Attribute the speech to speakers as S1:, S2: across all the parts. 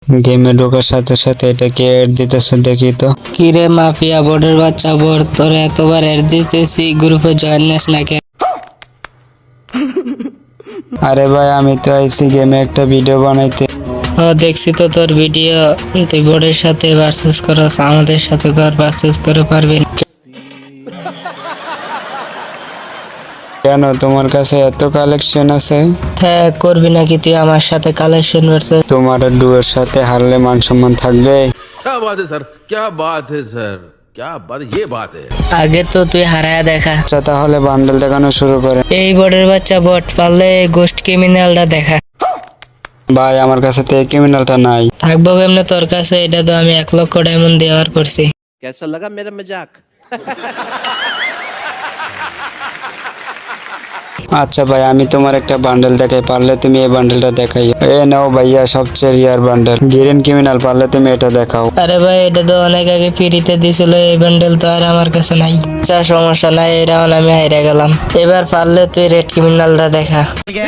S1: গেমে ঢোকার সাথে সাথে এটা কে এড দিতেছে দেখি তো।
S2: কিরে মাফিয়া বোর্ডের বাচ্চা বোর্ড, তোর এতবার এড দিতেছি, গ্রুপে জয়েন নিস না কেন?
S1: আরে ভাই আমি তো আইছি গেমে একটা ভিডিও বানাইতে।
S2: ও দেখছি তো তোর ভিডিও, তুই বোর্ডের সাথে ভার্সেস করস, আমাদের সাথে তো আর ভার্সেস করে পারবি না।
S1: কেন তোমার কাছে এত কালেকশন আছে?
S2: হ্যাঁ, করবি নাকি তুই আমার সাথে কালেকশন ভার্সেস?
S1: তোমার ডুয়ের সাথে হারলে মান সম্মান থাকবে?
S3: क्या बात है सर, क्या बात है सर, क्या बात, ये बात है।
S2: আগে তো তুই হারায়া দেখা।
S1: আচ্ছা তাহলে বান্ডেল দেখানো শুরু করে।
S2: এই বোর্ডের বাচ্চা বোর্ড, পারলে গোস্ট ক্রিমিনালটা দেখা।
S1: ভাই আমার কাছে তো এই ক্রিমিনালটা নাই।
S2: থাকবো কেমনে তোর কাছে? এটা তো আমি 1 লক্ষ ডায়মন্ড দেওয়ার করছি।
S3: कैसा लगा मेरा मजाक?
S1: আচ্ছা ভাই আমি তোমার একটা বান্ডেল দেখাই, পারলে তুমি এই বান্ডেলটা দেখাই। এ নাও ভাইয়া সবচেয়ে রিয়ার বান্ডেল গ্রিন ক্রিমিনাল, পারলে তুমি এটা দেখাও।
S2: আরে ভাই, এটা তো অনেক আগে ফ্রিতে দিছিল, এই বান্ডেল তো আর আমার কাছে নাই। আচ্ছা সমস্যা নাই, এই রাউন্ড আমি হাইরা গেলাম। এবার পারলে তুই রেড ক্রিমিনালটা দেখা।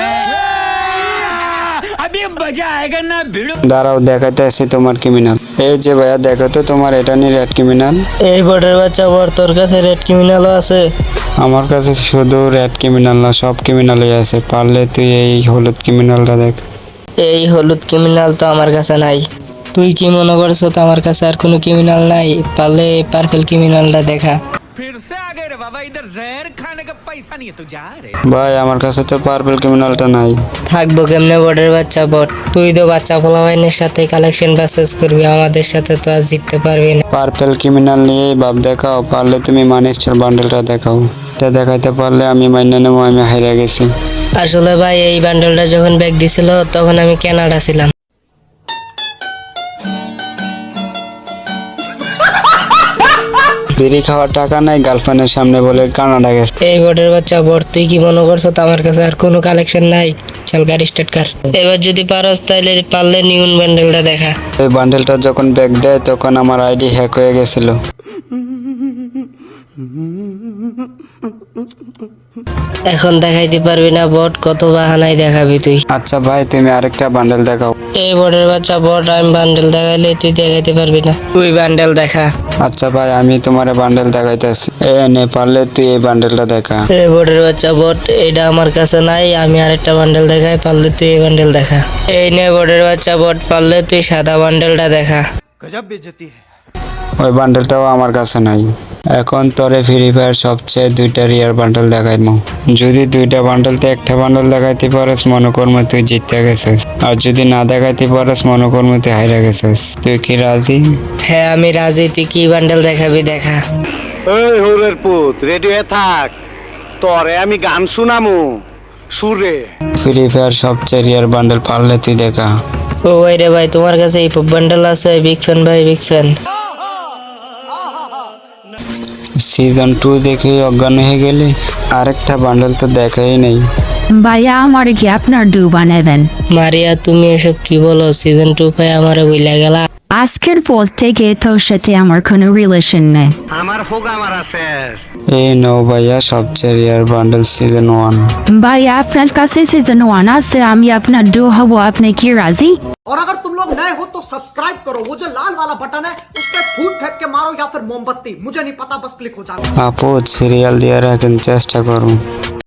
S1: দাঁড়াও দেখাতে আসি তোমার ক্রিমিনাল। এই যে ভাইয়া দেখো তো তোমার এটা নিয়ে রেড ক্রিমিনাল।
S2: এই বোর্ডের বাচ্চা বোর্ড, তোর কাছে রেড ক্রিমিনালও আছে?
S1: আমার কাছে শুধু রেড ক্রিমিনাল না, সব ক্রিমিনালই আছে। পারলে তুই এই হলুদ ক্রিমিনালটা দেখ।
S2: এই হলুদ ক্রিমিনাল তো আমার কাছে নাই। তুই কি মনে করছো তো আমার কাছে আর কোনো ক্রিমিনাল নাই? পারলে পার্পল ক্রিমিনালটা দেখা।
S4: फिर से आ गए रे बाबा, इधर जहर खाने का पैसा नहीं है तो जा रे।
S1: ভাই আমার কাছে তো পার্পল ক্রিমিনালটা নাই।
S2: থাকবো কেমনে বোর্ডের বাচ্চা বোর্ড? তুই তো বাচ্চা পোলাপাইনের সাথে কালেকশন ভার্সেস করবি, আমাদের সাথে তো আর জিততে পারবি না।
S1: পার্পল ক্রিমিনাল নিয়েই ভাব দেখাও। পারলে তুমি মানিস্টার বান্ডেলটা দেখাও। এটা দেখাইতে পারলে আমি মাইনে নেবো আমি হাইরা গেছি।
S2: আসলে ভাই, এই বান্ডেলটা যখন ব্যাগ দিছিল তখন আমি কানাডা ছিলাম।
S1: বিড়ি খাওয়ার টাকা নাই, গার্লফ্রেন্ডের সামনে বলে কানাডা গেছে।
S2: এই বোর্ডের বাচ্চা বোর্ড, তুই কি মনে করছো তো আমার কাছে আর কোনো কালেকশন নাই? চল গাড়ি স্টার্ট কর। এবার যদি পারস তাহলে পারলে নিউন বান্ডেলটা দেখা।
S1: এই বান্ডেলটা যখন ব্যাগ দেয় তখন আমার আইডি হ্যাক হয়ে গেছিল।
S2: এখন দেখাইতে পারবি না বোর্ড, কত বাহানাই দেখাবি তুই।
S1: আচ্ছা ভাই তুমি আরেকটা বান্ডেল দেখাও।
S2: এই বোর্ডের বাচ্চা বোর্ড, আমি বান্ডেল দেখাইলে তুই দেখাইতে পারবি না। তুই বান্ডেল দেখা।
S1: আচ্ছা ভাই আমি তোমার বান্ডেল দেখাইতেছি। নে পারলে তুই এই বান্ডেলটা দেখা।
S2: এই বোর্ডের বাচ্চা বোর্ড, এটা আমার কাছে নাই, আমি আরেকটা বান্ডেল দেখাই, পারলে তুই এই বান্ডেল দেখা। এই নে বোর্ডের বাচ্চা বোর্ড, পারলে তুই সাদা বান্ডেলটা দেখা।
S4: गजब बेइज्जती है।
S1: ওই বান্ডেলটাও আমার কাছে নাই। এখন তোরে ফ্রি ফায়ার সবচেয়ে 2টা রিয়ার বান্ডেল দেখাইমু। যদি 2টা বান্ডেলতে একটা বান্ডেল দেখাইতে পারস মনে করমু তুই জিতে গেছিস, আর যদি না দেখাইতে পারস মনে করমু তুই হাইরা গেছিস। তুই কি রাজি?
S2: হ্যাঁ আমি রাজি, তুই কি বান্ডেল দেখাবি দেখা।
S5: ওই হোরের পুত রেডি হয়ে থাক, তোরে আমি গান শুনামু সুরে।
S1: ফ্রি ফায়ার সবচেয়ে রিয়ার বান্ডেল পারলে তুই দেখা।
S2: ও ভাই রে ভাই, তোমার কাছে এই বান্ডেল আছে? বিগ ফ্যান ভাই, বিগ ফ্যান।
S1: সিজন 2 দেখে অজ্ঞান হয়ে গেলে আরেকটা বান্ডেল তো দেখাই নাই।
S6: ভাইয়া আমার কি আপনার ডু বানাবেন?
S2: মারিয়া তুমি এসব কি বলো? সিজন 2 পাই আমারে বইলা গেলা।
S6: আজকের পর থেকে তোর সাথে আমার কোনো রিলেশন নেই।
S5: আমার হোগা মারা শেষ।
S1: এই নাও ভাইয়া সবচেয়ে রিয়ার বান্ডেল সিজন 1।
S6: ভাইয়া আপনার কাছে সিজন 1 আছে, আমি আপনার ডু হব, আপনি কি রাজি?
S7: और अगर तुम लोग नए हो तो सब्सक्राइब करो, वो जो लाल वाला बटन है उस पर फूट फेंक के मारो या फिर मोमबत्ती, मुझे नहीं पता, बस क्लिक हो जाना।
S1: আপু সিরিয়াল দিয়ে রাখেন, চেষ্টা করুন।